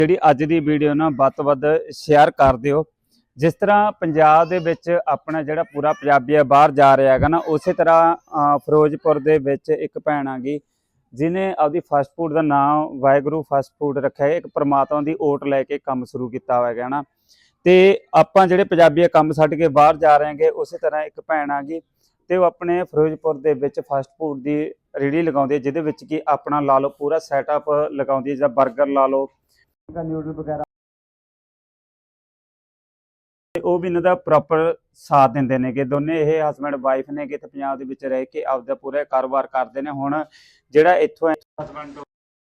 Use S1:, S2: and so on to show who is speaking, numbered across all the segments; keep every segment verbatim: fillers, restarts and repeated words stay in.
S1: ਜਿਹੜੀ ਅੱਜ ਦੀ ਵੀਡੀਓ ਨਾ ਵੱਧ ਤੋਂ ਵੱਧ ਸ਼ੇਅਰ ਕਰ ਦਿਓ। ਜਿਸ ਤਰ੍ਹਾਂ ਪੰਜਾਬ ਦੇ ਵਿੱਚ ਆਪਣਾ ਜਿਹੜਾ ਪੂਰਾ ਪੰਜਾਬੀ ਆ ਬਾਹਰ ਜਾ ਰਿਹਾ ਹੈਗਾ ਨਾ, ਉਸੇ ਤਰ੍ਹਾਂ ਫਿਰੋਜ਼ਪੁਰ ਦੇ ਵਿੱਚ ਇੱਕ ਭੈਣ ਆ ਗਈ ਜਿਹਨੇ ਆਪਦੀ ਫਾਸਟ ਫੂਡ ਦਾ ਨਾਮ ਵਾਹਿਗੁਰੂ ਫਾਸਟ ਫੂਡ ਰੱਖਿਆ ਹੈ। ਇੱਕ ਪ੍ਰਮਾਤਮਾ ਦੀ ਓਟ ਲੈ ਕੇ ਕੰਮ ਸ਼ੁਰੂ ਕੀਤਾ ਹੋਇਆ ਹੈ ਨਾ। ਤੇ ਆਪਾਂ ਜਿਹੜੇ ਪੰਜਾਬੀ ਕੰਮ ਛੱਡ ਕੇ ਬਾਹਰ ਜਾ ਰਹੇ ਹੈਗੇ, ਉਸੇ ਤਰ੍ਹਾਂ ਇੱਕ ਭੈਣ ਆ ਗਈ ਤੇ ਉਹ ਆਪਣੇ ਫਿਰੋਜ਼ਪੁਰ ਦੇ ਵਿੱਚ ਫਾਸਟ ਫੂਡ ਦੀ ਰੇਹੜੀ ਲਗਾਉਂਦੀ ਹੈ, ਜਿਹਦੇ ਵਿੱਚ ਕਿ ਆਪਣਾ ਲਾ ਲਓ ਪੂਰਾ ਸੈਟਅਪ ਲਗਾਉਂਦੀ ਹੈ, ਜਿੱਦਾਂ ਬਰਗਰ ਲਾ ਲਓ, ਨਿਊਡਲ ਵਗੈਰਾ, ਤੇ ਉਹ ਵੀ ਇਹਨਾਂ ਦਾ ਪ੍ਰੋਪਰ ਸਾਥ ਦਿੰਦੇ ਨੇਗੇ। ਦੋਨੇ ਇਹ ਹਸਬੈਂਡ ਵਾਈਫ ਨੇ ਕਿ ਇੱਥੇ ਪੰਜਾਬ ਦੇ ਵਿੱਚ ਰਹਿ ਕੇ ਆਪਦਾ ਪੂਰਾ ਕਾਰੋਬਾਰ ਕਰਦੇ ਨੇ। ਹੁਣ ਜਿਹੜਾ ਇੱਥੋਂ ਹਸਬੈਂਡ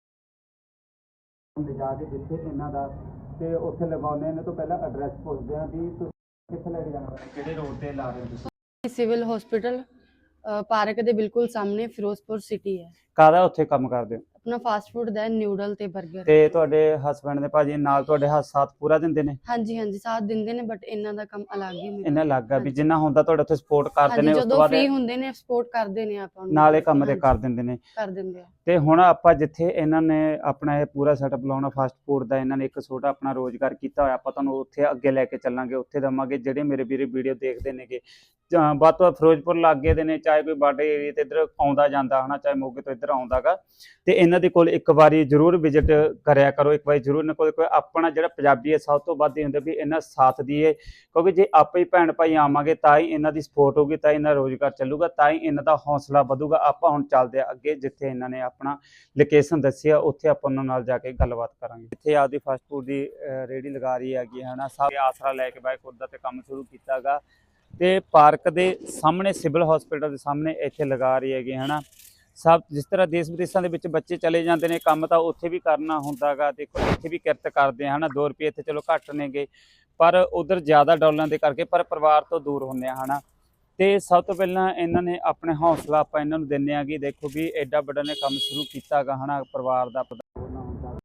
S1: ਲਿਜਾ ਕੇ ਜਿੱਥੇ ਇਹਨਾਂ ਦਾ ਤੇ ਉੱਥੇ ਲਗਾਉਂਦੇ ਨੇ, ਤੋਂ ਪਹਿਲਾਂ ਐਡਰੈਸ ਪੁੱਛਦੇ ਆ ਵੀ ਤੁਸੀਂ ਕਿੱਥੇ ਲੈ ਕੇ ਜਾਣਾ, ਕਿਹੜੇ ਰੋਡ ਤੇ ਲਾ ਰਹੇ ਹੋ ਤੁਸੀਂ?
S2: ਸਿਵਲ ਹਸਪੀਟਲ ਪਾਰਕ ਦੇ ਬਿਲਕੁਲ ਸਾਹਮਣੇ ਫਿਰੋਜ਼ਪੁਰ ਸਿਟੀ ਹੈ।
S1: ਕਾਹਦਾ ਉੱਥੇ ਕੰਮ ਕਰਦੇ ਹੋ?
S2: ਆਪਣਾ ਫਾਸਟ ਫੂਡ ਦਾ ਨਿਊਡਲ ਤੇ 버ਗਰ।
S1: ਤੇ ਤੁਹਾਡੇ ਹਸਬੈਂਡ ਦੇ ਭਾਜੀ ਨਾਲ ਤੁਹਾਡੇ ਹੱਥ ਸਾਥ ਪੂਰਾ ਦਿੰਦੇ ਨੇ?
S2: ਹਾਂਜੀ ਹਾਂਜੀ ਸਾਥ ਦਿੰਦੇ ਨੇ, ਬਟ ਇਹਨਾਂ ਦਾ ਕੰਮ ਅਲੱਗ ਹੀ ਮੇਰਾ।
S1: ਇਹਨਾਂ ਲੱਗ ਆ ਵੀ ਜਿੰਨਾ ਹੁੰਦਾ ਤੁਹਾਡੇ ਉੱਥੇ ਸਪੋਰਟ ਕਰਦੇ ਨੇ, ਉਸ ਤੋਂ
S2: ਜਦੋਂ
S1: ਬਾਅਦ
S2: ਫ੍ਰੀ ਹੁੰਦੇ ਨੇ ਸਪੋਰਟ ਕਰਦੇ ਨੇ ਆਪਾਂ ਨੂੰ,
S1: ਨਾਲੇ ਕੰਮ ਤੇ ਕਰ ਦਿੰਦੇ ਨੇ
S2: ਕਰ ਦਿੰਦੇ ਆ।
S1: ਤੇ ਹੁਣ ਆਪਾਂ ਜਿੱਥੇ ਇਹਨਾਂ ਨੇ ਆਪਣਾ ਇਹ ਪੂਰਾ ਸੈਟਅਪ ਲਾਉਣਾ ਫਾਸਟ ਫੂਡ ਦਾ, ਇਹਨਾਂ ਨੇ ਇੱਕ ਛੋਟਾ ਆਪਣਾ ਰੋਜ਼ਗਾਰ ਕੀਤਾ ਹੋਇਆ, ਆਪਾਂ ਤੁਹਾਨੂੰ ਉੱਥੇ ਅੱਗੇ ਲੈ ਕੇ ਚੱਲਾਂਗੇ, ਉੱਥੇ ਦਵਾਂਗੇ। ਜਿਹੜੇ ਮੇਰੇ ਵੀਰੇ ਵੀਡੀਓ ਦੇਖਦੇ ਨੇਗੇ ਵੱਧ ਤੋਂ ਵੱਧ ਫਿਰੋਜ਼ਪੁਰ ਲਾਗੇ ਦੇ ਨੇ, ਚਾਹੇ ਕੋਈ ਬਾਰਡਰ ਏਰੀਆ ਤੇ ਇੱਧਰ ਆਉਂਦਾ ਜਾਂਦਾ ਹਨਾ, ਚਾਹੇ ਮੋਗੇ ਤੋਂ ਇੱਧਰ ਆਉਂਦਾਗਾ, ਤੇ ਇਹਨਾਂ ਦੇ ਕੋਲ ਇੱਕ ਵਾਰੀ ਜ਼ਰੂਰ ਵਿਜ਼ਿਟ ਕਰਿਆ ਕਰੋ। ਇੱਕ ਵਾਰੀ ਜ਼ਰੂਰ ਇਹਨਾਂ ਕੋਲ ਕੋਈ ਆਪਣਾ ਜਿਹੜਾ ਪੰਜਾਬੀ ਹੈ ਸਭ ਤੋਂ ਵੱਧ ਹੀ ਹੁੰਦਾ ਵੀ ਇਹਨਾਂ ਸਾਥ ਦੀਏ, ਕਿਉਂਕਿ ਜੇ ਆਪੇ ਹੀ ਭੈਣ ਭਾਈ ਆਵਾਂਗੇ ਤਾਂ ਹੀ ਇਹਨਾਂ ਦੀ ਸਪੋਰਟ ਹੋਊਗੀ, ਤਾਂ ਇਹਨਾਂ ਦਾ ਰੋਜ਼ਗਾਰ ਚੱਲੂਗਾ, ਤਾਂ ਹੀ ਇਹਨਾਂ ਦਾ ਹੌਸਲਾ ਵਧੂਗਾ। ਆਪਾਂ ਹੁਣ ਚੱਲਦੇ ਆ ਅੱਗੇ, ਜਿੱਥੇ ਇਹਨਾਂ ਨੇ ਆਪਣਾ ਲੋਕੇਸ਼ਨ ਦੱਸੀ ਆ, ਉੱਥੇ ਆਪਾਂ ਉਹਨਾਂ ਨਾਲ ਜਾ ਕੇ ਗੱਲਬਾਤ ਕਰਾਂਗੇ। ਇੱਥੇ ਆਪਦੀ ਫਾਸਟ ਫੂਡ ਦੀ ਰੇਹੜੀ ਲਗਾ ਰਹੀ ਹੈਗੀ ਹਨਾ, ਸਭ ਆਸਰਾ ਲੈ ਕੇ ਬਾਈ ਖੁਦ ਦਾ ਤੇ ਕੰਮ ਸ਼ੁਰੂ ਕੀਤਾ ਗਾ, ਤੇ ਪਾਰਕ ਦੇ ਸਾਹਮਣੇ ਸਿਵਲ ਹਸਪੀਟਲ ਦੇ ਸਾਹਮਣੇ ਇੱਥੇ ਲਗਾ ਰਹੀ ਹੈਗੀ ਹਨਾ। ਸਭ ਜਿਸ ਤਰ੍ਹਾਂ ਦੇਸ਼ ਵਿਦੇਸ਼ਾਂ ਦੇ ਵਿੱਚ ਬੱਚੇ ਚਲੇ ਜਾਂਦੇ ਨੇ, ਕੰਮ ਤਾਂ ਉੱਥੇ ਵੀ ਕਰਨਾ ਹੁੰਦਾ ਗਾ। ਦੇਖੋ ਇੱਥੇ ਵੀ ਕਿਰਤ ਕਰਦੇ ਹਨ, ਦੋ ਰੁਪਏ ਇੱਥੇ ਚਲੋ ਘੱਟ ਨੇਗੇ, ਪਰ ਉਧਰ ਜ਼ਿਆਦਾ ਡਾਲਰਾਂ ਦੇ ਕਰਕੇ ਪਰ ਪਰਿਵਾਰ ਤੋਂ ਦੂਰ ਹੁੰਦੇ ਆ ਹਨਾ। ਤੇ ਸਭ ਤੋਂ ਪਹਿਲਾਂ ਇਹਨਾਂ ਨੇ ਆਪਣੇ ਹੌਸਲਾ ਆਪਾਂ ਇਹਨਾਂ ਨੂੰ ਦਿੰਦੇ ਆ ਕਿ ਦੇਖੋ ਵੀ ਐਡਾ ਵੱਡਾ ਨੇ ਕੰਮ ਸ਼ੁਰੂ ਕੀਤਾ ਗਾ ਹਨਾ, ਪਰਿਵਾਰ ਦਾ ਹੁੰਦਾ।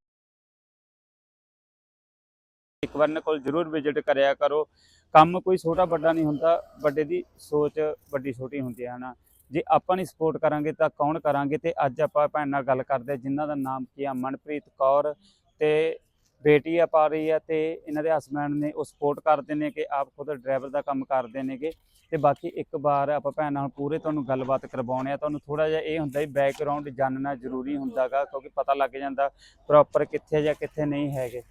S1: ਇੱਕ ਵਾਰ ਇਹਨਾਂ ਕੋਲ ਜ਼ਰੂਰ ਵਿਜ਼ਿਟ ਕਰਿਆ ਕਰੋ। ਕੰਮ ਕੋਈ ਛੋਟਾ ਵੱਡਾ ਨਹੀਂ ਹੁੰਦਾ, ਵੱਡੇ ਦੀ ਸੋਚ ਵੱਡੀ ਛੋਟੀ ਹੁੰਦੀ ਹੈ ਹਨਾ। ਜੇ ਆਪਾਂ ਨਹੀਂ ਸਪੋਰਟ ਕਰਾਂਗੇ ਤਾਂ ਕੌਣ ਕਰਾਂਗੇ। ਤੇ ਅੱਜ ਆਪਾਂ ਭੈਣ ਨਾਲ ਗੱਲ ਕਰਦੇ ਜਿਨ੍ਹਾਂ ਦਾ ਨਾਮ ਕੀ ਆ ਮਨਪ੍ਰੀਤ ਕੌਰ, ਤੇ ਬੇਟੀ ਆ ਪਾ ਰਹੀ ਆ, ਤੇ ਇਹਨਾਂ ਦੇ ਹਸਬੈਂਡ ਨੇ ਉਹ ਸਪੋਰਟ ਕਰਦੇ ਨੇ ਕਿ ਆਪ ਖੁਦ ਡਰਾਈਵਰ ਦਾ ਕੰਮ ਕਰਦੇ ਨੇਗੇ। ਤੇ ਬਾਕੀ ਇੱਕ ਵਾਰ ਆਪਾਂ ਭੈਣ ਨਾਲ ਪੂਰੇ ਤੁਹਾਨੂੰ ਗੱਲਬਾਤ ਕਰਵਾਉਣੇ ਆ। ਤੁਹਾਨੂੰ ਥੋੜਾ ਜਿਹਾ ਇਹ ਹੁੰਦਾ ਵੀ ਬੈਕਗਰਾਉਂਡ ਜਾਣਨਾ ਜ਼ਰੂਰੀ ਹੁੰਦਾ ਗਾ, ਕਿਉਂਕਿ ਪਤਾ ਲੱਗ ਜਾਂਦਾ ਪ੍ਰੋਪਰ ਕਿੱਥੇ ਜਾਂ ਕਿੱਥੇ ਨਹੀਂ ਹੈਗੇ।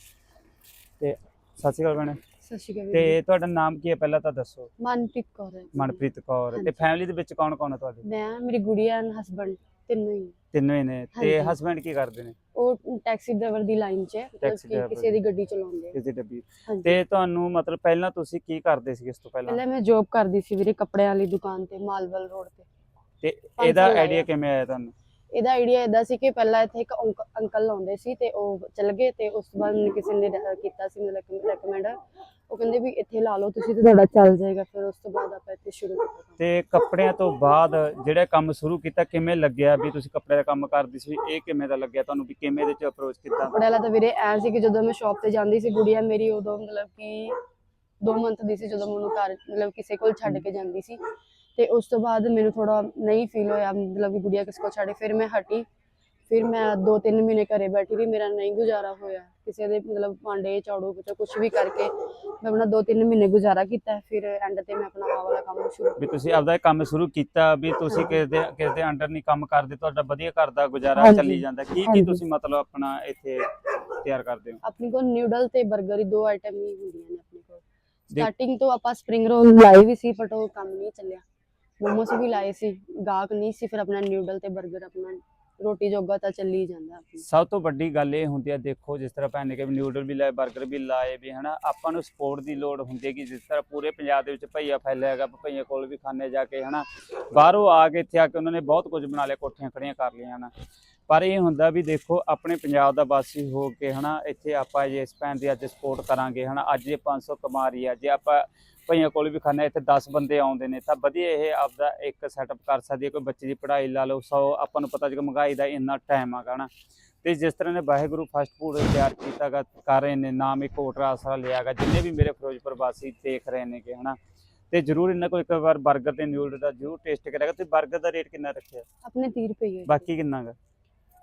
S1: ਤੇ ਸਤਿ ਸ਼੍ਰੀ ਅਕਾਲ ਭੈਣੇ।
S2: ਸਤਿ ਸ਼੍ਰੀ ਅਕਾਲ।
S1: ਤੇ ਤੁਹਾਡਾ ਨਾਮ ਕੀ ਹੈ ਪਹਿਲਾਂ ਤਾਂ ਦੱਸੋ?
S2: ਮਨਪ੍ਰੀਤ ਕੌਰ ਹੈ।
S1: ਮਨਪ੍ਰੀਤ ਕੌਰ। ਤੇ ਫੈਮਿਲੀ ਦੇ ਵਿੱਚ ਕੌਣ ਕੌਣ ਹੈ ਤੁਹਾਡੇ?
S2: ਮੈਂ, ਮੇਰੀ ਗੁੜੀਆ ਐਂਡ ਹਸਬੈਂਡ, ਤਿੰਨੋਂ ਹੀ।
S1: ਤਿੰਨੋਂ ਹੀ ਨੇ। ਤੇ ਹਸਬੈਂਡ ਕੀ ਕਰਦੇ ਨੇ?
S2: ਉਹ ਟੈਕਸੀ ਡਰਾਈਵਰ ਦੀ ਲਾਈਨ 'ਚ ਹੈ, ਕਿਸੇ ਦੀ ਗੱਡੀ ਚਲਾਉਂਦੇ ਆ,
S1: ਕਿਸੇ ਡੱਬੀ। ਤੇ ਤੁਹਾਨੂੰ ਮਤਲਬ ਪਹਿਲਾਂ ਤੁਸੀਂ ਕੀ ਕਰਦੇ ਸੀ ਇਸ ਤੋਂ ਪਹਿਲਾਂ?
S2: ਪਹਿਲਾਂ ਮੈਂ ਜੌਬ ਕਰਦੀ ਸੀ ਵੀਰੇ ਕੱਪੜਿਆਂ ਵਾਲੀ ਦੁਕਾਨ ਤੇ, ਮਾਲਵਲ ਰੋਡ ਤੇ।
S1: ਤੇ ਇਹਦਾ ਆਈਡੀਆ ਕਿਵੇਂ ਆਇਆ ਤੁਹਾਨੂੰ?
S2: ਇਹਦਾ ਆਈਡੀਆ ਇਦਾਂ ਸੀ ਕਿ ਪਹਿਲਾਂ ਇੱਥੇ ਇੱਕ ਅੰਕਲ ਲਾਉਂਦੇ ਸੀ ਤੇ ਉਹ ਚਲ ਗਏ, ਤੇ ਉਸ ਤੋਂ ਬਾਅਦ ਮੈਨੂੰ ਕਿਸੇ ਨੇ ਕੀਤਾ ਸੀ ਮਤਲਬ ਰეკਮੈਂਡ, ਉਹ ਕਹਿੰਦੇ ਵੀ ਇੱਥੇ ਲਾ ਲਓ ਤੁਸੀਂ ਤੇ ਤੁਹਾਡਾ ਚੱਲ ਜਾਏਗਾ। ਫਿਰ ਉਸ ਤੋਂ ਬਾਅਦ ਆਪਾਂ ਇੱਥੇ ਸ਼ੁਰੂ ਕੀਤਾ।
S1: ਤੇ ਕੱਪੜਿਆਂ ਤੋਂ ਬਾਅਦ ਜਿਹੜਾ ਕੰਮ ਸ਼ੁਰੂ ਕੀਤਾ ਕਿਵੇਂ ਲੱਗਿਆ ਵੀ ਤੁਸੀਂ ਕੱਪੜੇ ਦਾ ਕੰਮ ਕਰਦੀ ਸੀ, ਇਹ ਕਿਵੇਂ ਦਾ ਲੱਗਿਆ ਤੁਹਾਨੂੰ ਵੀ ਕਿਵੇਂ ਇਹਦੇ ਚ ਅਪਰੋਚ ਕੀਤਾ?
S2: ਕੱਪੜੇ ਵਾਲਾ ਤਾਂ ਵੀਰੇ ਐ ਸੀ ਕਿ ਜਦੋਂ ਮੈਂ ਸ਼ਾਪ ਤੇ ਜਾਂਦੀ ਸੀ, ਗੁੜੀਆ ਮੇਰੀ ਉਦੋਂ ਮਤਲਬ ਕਿ ਦੋ ਮੰਥ ਦੀ ਸੀ ਜਦੋਂ ਮੈਨੂੰ ਘਰ ਮਤਲਬ ਕਿਸੇ ਕੋਲ ਛੱਡ ਕੇ ਜਾਂਦੀ ਸੀ। ਤੇ ਉਸ ਤੋਂ ਬਾਅਦ ਮੈਨੂੰ ਥੋੜਾ ਨਹੀਂ ਫੀਲ ਹੋਇਆ ਮਤਲਬ ਕਿ ਗੁੜੀਆ ਕਿਸ ਕੋਲ ਛੱਡੇ, ਫਿਰ ਮੈਂ ਹਟੀ। ਫਿਰ ਮੈਂ ਦੋ ਤਿੰਨ ਮਹੀਨੇ ਘਰੇ ਬੈਠੀ ਰਹੀ, ਮੇਰਾ ਨਹੀਂ ਗੁਜ਼ਾਰਾ ਹੋਇਆ ਕਿਸੇ ਦੇ ਮਤਲਬ ਭਾਂਡੇ ਝਾੜੂ ਪੋਚਾ ਕੁਛ ਵੀ ਕਰਕੇ ਮੈਂ ਆਪਣਾ ਦੋ ਤਿੰਨ ਮਹੀਨੇ ਗੁਜ਼ਾਰਾ ਕੀਤਾ। ਫਿਰ ਐਂਡ ਤੇ ਮੈਂ ਆਪਣਾ ਆਹ ਵਾਲਾ ਕੰਮ ਸ਼ੁਰੂ
S1: ਵੀ ਤੁਸੀਂ ਆਪਦਾ ਕੰਮ ਸ਼ੁਰੂ ਕੀਤਾ ਵੀ ਤੁਸੀਂ ਕਿਸੇ ਦੇ ਕਿਸੇ ਦੇ ਅੰਡਰ ਨਹੀਂ ਕੰਮ ਕਰਦੇ, ਤੁਹਾਡਾ ਵਧੀਆ ਘਰ ਦਾ ਗੁਜ਼ਾਰਾ ਚੱਲੀ ਜਾਂਦਾ। ਕੀ ਕੀ ਤੁਸੀਂ ਮਤਲਬ ਆਪਣਾ ਇੱਥੇ ਤਿਆਰ ਕਰਦੇ ਹੋ?
S2: ਆਪਣੇ ਕੋਲ ਨਿਊਡਲ ਤੇ 버ਗਰ ਹੀ ਦੋ ਆਈਟਮ ਹੀ ਹੁੰਦੀਆਂ ਨੇ ਆਪਣੇ ਕੋਲ। ਸਟਾਰਟਿੰਗ ਤੋਂ ਆਪਾਂ ਸਪਰਿੰਗ ਰੋਲ ਲਾਏ ਵੀ ਸੀ, ਬਟ ਉਹ ਕੰਮ ਨਹੀਂ ਚੱਲਿਆ। ਮੋਮੋਸ ਵੀ ਲਾਏ ਸੀ, ਗਾਹਕ ਨਹੀਂ ਸੀ। ਫਿਰ ਆਪਣਾ ਨਿਊਡਲ ਤੇ 버ਗਰ ਆਪਣਾ ਰੋਟੀ ਜੋਗਾ ਤਾਂ ਚੱਲੀ ਜਾਂਦਾ।
S1: ਸਭ ਤੋਂ ਵੱਡੀ ਗੱਲ ਇਹ ਹੁੰਦੀ ਹੈ, ਦੇਖੋ ਜਿਸ ਤਰ੍ਹਾਂ ਭੈਣ ਨੇ ਕਿ ਨਿਊਡਲ ਵੀ ਲਾਏ, 버ਗਰ ਵੀ ਲਾਏ ਵੀ ਹਨਾ, ਆਪਾਂ ਨੂੰ ਸਪੋਰਟ ਦੀ ਲੋੜ ਹੁੰਦੀ ਹੈ ਕਿ ਜਿਸ ਤਰ੍ਹਾਂ ਪੂਰੇ ਪੰਜਾਬ ਦੇ ਵਿੱਚ ਭਈਆ ਫੈਲਿਆ ਹੈਗਾ, ਭਈਆ ਕੋਲ ਵੀ ਖਾਣੇ ਜਾ ਕੇ ਹਨਾ, ਬਾਹਰੋਂ ਆ ਕੇ ਇੱਥੇ ਆ ਕੇ ਉਹਨਾਂ ਨੇ ਬਹੁਤ ਕੁਝ ਬਣਾ ਲਿਆ, ਕੋਠੀਆਂ ਖੜੀਆਂ ਕਰ ਲਈਆਂ ਹਨਾ। ਪਰ ਇਹ ਹੁੰਦਾ ਵੀ ਦੇਖੋ ਆਪਣੇ ਪੰਜਾਬ ਦਾ ਵਾਸੀ ਹੋ ਕੇ ਹਨਾ, ਇੱਥੇ ਆਪਾਂ ਜੇ ਇਸ ਭੈਣ ਦੀ ਅੱਜ ਸਪੋਰਟ ਕਰਾਂਗੇ ਹਨਾ, ਅੱਜ ਇਹ ਪੰਜ ਸੌ ਕਮਾ ਰਹੀ ਆ, ਜੇ ਆਪਾਂ ਭਈਆਂ ਕੋਲ ਵੀ ਖਾਣਾ ਇੱਥੇ ਦਸ ਬੰਦੇ ਆਉਂਦੇ ਨੇ ਤਾਂ ਵਧੀਆ ਇਹ ਆਪਦਾ ਇੱਕ ਸੈਟਅਪ ਕਰ ਸਕਦੀ ਹੈ। ਕੋਈ ਬੱਚੇ ਦੀ ਪੜ੍ਹਾਈ ਲਾ ਲਓ, ਸੌ ਆਪਾਂ ਨੂੰ ਪਤਾ ਜੇ ਮਹਿੰਗਾਈ ਦਾ ਇੰਨਾ ਟਾਈਮ ਆਗਾ ਨਾ। ਤੇ ਜਿਸ ਤਰ੍ਹਾਂ ਨੇ ਵਾਹਿਗੁਰੂ ਫਾਸਟ ਫੂਡ ਤਿਆਰ ਕੀਤਾ ਗਾ, ਕਰ ਰਹੇ ਨੇ, ਨਾਮ ਇੱਕ ਹੋਟਲ ਆਸਰਾ ਲਿਆ ਗਾ, ਜਿੰਨੇ ਵੀ ਮੇਰੇ ਫਿਰੋਜ਼ਪੁਰ ਵਾਸੀ ਦੇਖ ਰਹੇ ਨੇ ਕਿ ਹਨਾ, ਤੇ ਜ਼ਰੂਰ ਇਹਨਾਂ ਕੋਲ ਇੱਕ ਵਾਰ 버ਗਰ ਤੇ ਨਿਊਡਲ ਦਾ ਜ਼ਰੂਰ ਟੇਸਟ ਕਰਿਆਗਾ। ਤੇ 버ਗਰ ਦਾ ਰੇਟ ਕਿੰਨਾ ਰੱਖਿਆ?
S2: ਆਪਣੇ ਤੀਹ ਰੁਪਏ।
S1: ਬਾਕੀ ਕਿੰਨਾ ਗਾ?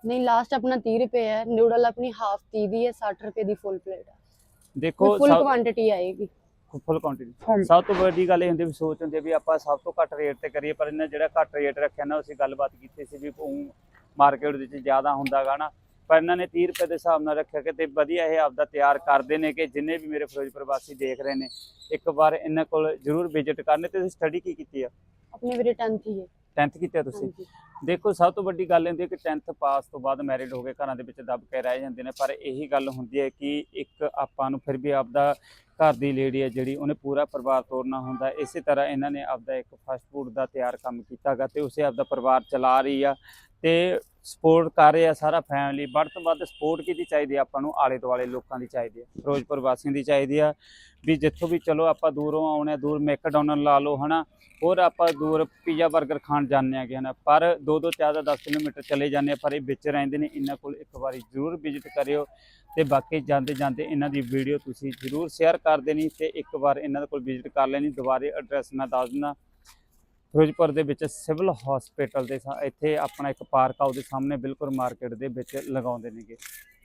S2: नहीं लास्ट अपना तीस रुपए है, नूडल अपनी हाफ तीस दी है, साठ रुपए दी फुल प्लेट है,
S1: ਦੇਖੋ
S2: फुल
S1: ਸਭ
S2: क्वांटिटी आएगी।
S1: ਫੁੱਲ ਕੁਆਂਟੀਟੀ
S2: ਹਾਂਜੀ।
S1: ਸਭ ਤੋਂ ਵੱਡੀ ਗੱਲ ਇਹ ਹੁੰਦੀ ਵੀ ਸੋਚ ਹੁੰਦੀ ਹੈ ਵੀ ਆਪਾਂ ਸਭ ਤੋਂ ਘੱਟ ਰੇਟ ਤੇ ਕਰੀਏ, ਪਰ ਇਹਨਾਂ ਜਿਹੜਾ ਘੱਟ ਰੇਟ ਰੱਖਿਆ ਨਾ, ਅਸੀਂ ਗੱਲਬਾਤ ਕੀਤੀ ਸੀ ਵੀ ਮਾਰਕੀਟ ਦੇ ਵਿੱਚ ਜ਼ਿਆਦਾ ਹੁੰਦਾ ਗਾ ਨਾ, ਪਰ ਇਹਨਾਂ ਨੇ ਤੀਹ ਰੁਪਏ ਦੇ ਹਿਸਾਬ ਨਾਲ ਰੱਖਿਆ ਕਿ ਤੇ ਵਧੀਆ ਇਹ ਆਪਦਾ ਤਿਆਰ ਕਰਦੇ ਨੇ ਕਿ ਜਿੰਨੇ ਵੀ ਮੇਰੇ ਫਿਰੋਜ਼ਪੁਰ ਵਾਸੀ ਦੇਖ ਰਹੇ ਨੇ ਇੱਕ ਵਾਰ ਇਹਨਾਂ ਕੋਲ ਜ਼ਰੂਰ ਵਿਜ਼ਿਟ ਕਰਨੇ। ਤੇ ਤੁਸੀਂ ਸਟੱਡੀ ਕੀ ਕੀਤੀ ਆ?
S2: अपनी मेरी टेंथ ही है।
S1: ਟੈਂਥ ਕੀਤੀ ਆ ਤੁਸੀਂ?
S2: ਹਾਂਜੀ।
S1: ਦੇਖੋ ਸਭ ਤੋਂ ਵੱਡੀ ਗੱਲ ਹੁੰਦੀ ਹੈ ਕਿ ਟੈਂਥ ਪਾਸ ਤੋਂ ਬਾਅਦ ਮੈਰਿਡ ਹੋ ਕੇ ਘਰਾਂ ਦੇ ਵਿੱਚ ਦੱਬ ਕੇ ਰਹਿ ਜਾਂਦੇ ਨੇ, ਪਰ ਇਹੀ ਗੱਲ ਹੁੰਦੀ ਹੈ ਕਿ ਇੱਕ ਆਪਾਂ ਨੂੰ ਫਿਰ ਵੀ ਆਪਦਾ ਘਰ ਦੀ ਲੇਡੀ ਹੈ ਜਿਹੜੀ ਉਹਨੇ ਪੂਰਾ ਪਰਿਵਾਰ ਤੋਰਨਾ ਹੁੰਦਾ। ਇਸੇ ਤਰ੍ਹਾਂ ਇਹਨਾਂ ਨੇ ਆਪਦਾ ਇੱਕ ਫਾਸਟ ਫੂਡ ਦਾ ਤਿਆਰ ਕੰਮ ਕੀਤਾ ਗਾ ਤੇ ਉਸੇ ਆਪਦਾ ਪਰਿਵਾਰ ਚਲਾ ਰਹੀ ਆ ਤੇ ਸਪੋਰਟ ਕਰ ਰਹੇ ਆ ਸਾਰਾ ਫੈਮਿਲੀ। ਵੱਧ ਤੋਂ ਵੱਧ ਸਪੋਰਟ ਕਿਹਦੀ ਚਾਹੀਦੀ ਆ ਆਪਾਂ ਨੂੰ? ਆਲੇ ਦੁਆਲੇ ਲੋਕਾਂ ਦੀ ਚਾਹੀਦੀ ਆ, ਫਿਰੋਜ਼ਪੁਰ ਵਾਸੀਆਂ ਦੀ ਚਾਹੀਦੀ ਆ ਵੀ ਜਿੱਥੋਂ ਵੀ ਚਲੋ ਆਪਾਂ ਦੂਰੋਂ ਆਉਣੇ, ਦੂਰ ਮੈਕਡੋਨਲ ਲਾ ਲਓ ਹੈ ਨਾ, ਹੋਰ ਆਪਾਂ ਦੂਰ ਪੀਜ਼ਾ 버ਗਰ ਖਾਣ ਜਾਂਦੇ ਹੈਗੇ ਹਨ, ਪਰ ਦੋ ਦੋ ਚਾਰ ਦਸ ਕਿਲੋਮੀਟਰ ਚਲੇ ਜਾਂਦੇ ਆ, ਪਰ ਇਹ ਵਿੱਚ ਰਹਿੰਦੇ ਨੇ। ਇਹਨਾਂ ਕੋਲ ਇੱਕ ਵਾਰੀ ਜ਼ਰੂਰ ਵਿਜ਼ਿਟ ਕਰਿਓ ਤੇ ਬਾਕੀ ਜਾਂਦੇ ਜਾਂਦੇ ਇਹਨਾਂ ਦੀ ਵੀਡੀਓ ਤੁਸੀਂ ਜ਼ਰੂਰ ਸ਼ੇਅਰ ਕਰ ਦੇਣੀ ਤੇ ਇੱਕ ਵਾਰ ਇਹਨਾਂ ਦੇ ਕੋਲ ਵਿਜ਼ਿਟ ਕਰ ਲੈਣੀ। ਦੁਬਾਰੇ ਐਡਰੈਸ ਮੈਂ ਦੱਸ ਦਿੰਦਾ, ਫਿਰੋਜ਼ਪੁਰ ਦੇ ਵਿੱਚ ਸਿਵਲ ਹਸਪੀਟਲ ਦੇ ਇੱਥੇ ਆਪਣਾ ਇੱਕ ਪਾਰਕ ਆ, ਉਹਦੇ ਸਾਹਮਣੇ ਬਿਲਕੁਲ ਮਾਰਕੀਟ ਦੇ ਵਿੱਚ ਲਗਾਉਂਦੇ ਨੇਗੇ।